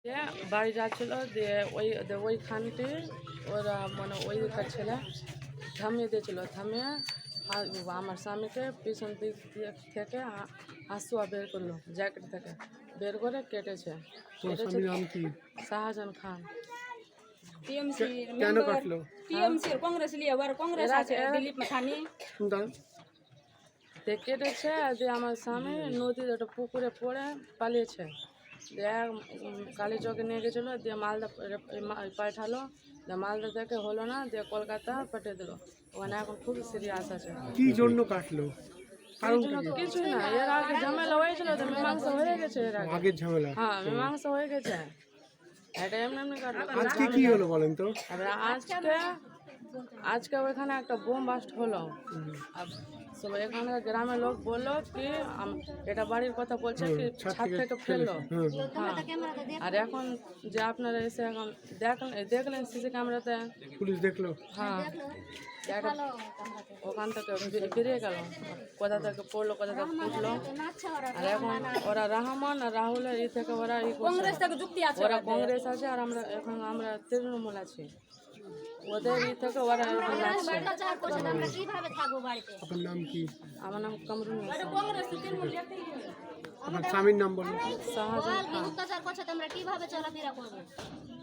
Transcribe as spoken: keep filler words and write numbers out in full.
দিয়ে বাড়ি যাচ্ছিল দিয়ে ওই ওইখানটি ওরা মানে ওইকার ছেলে থামিয়ে দিয়েছিল, থামিয়ে আ- আমার স্বামীকে পিছন দিক দিয়ে থেকে আ- হাসুয়া বের করলো, জ্যাকেট থেকে বের করে কেটেছে। তোমার কেটেছে স্বামীর নাম কি? শাহজাহান খান। टीएमसी কেন मेंबर কাটলো? टीएमसी और कांग्रेस लिए वर कांग्रेस এরা- আছে এরা- দিলীপ মাথানি দাঁড়ান। দিয়ে কেটেছে দিয়ে আমার স্বামী নদীর একটা পুকুরে পড়ে পালিয়েছে। দিয়ে উম, কালীচকে নিয়ে গেছিলো, দিয়ে মালদা রে- এই মা- পাঠালো, দিয়ে মালদা থেকে হলো না, দিয়ে কলকাতা পাঠিয়ে দিল। ওখানে এখন খুব সিরিয়াস আছে। কি জন্য কাটলো? এই কারণ জন্য কিছু না, এর আগে ঝামেলা হয়েছিল তো মীমাংসা হয়ে গেছে এর আগে। আগের ঝামেলা। হ্যাঁ মীমাংসা হয়ে গেছে। এটা এমনি এমনি কাটলো। আজকে কি হলো বলেন তো? এবার আজকে আজকে ওইখানে একটা বোম বাস্ট হলো। আর সব এখানে গ্রামের লোক বললো কি আম- এটা বাড়ির কথা বলছে কি ছাদ ছাদ থেকে থেকে ফেললো। হুম। হ্যাঁ। আর এখন যে আপনারা এসে এখন দেখলেন দেখলেন সিসি ক্যামেরাতে, পুলিশ দেখলো? হ্যাঁ একটা ওখান থেকে বে- বেরিয়ে গেল, কোথা থেকে পড়লো কোথা থেকে ফুটলো। আর এখন ওরা রহমান আর রাহুলের ই থেকে ওরা ই করছে। कांग्रेस থেকে যুক্তি আছে ওরা কংগ্রেস আছে আর আমরা এখন আমরা তৃণমূল আছি, ওদের ই থেকে ওরা এখন লাগছে। আপনার নাম কি? আমার নাম কামরুন নিসা। कांग्रेस তৃণমূল দেখতে আপনার স্বামীর নাম বলুন। শাহজাহান খান। অত্যাচার করছে তোমরা কিভাবে চলাফেরা করবে?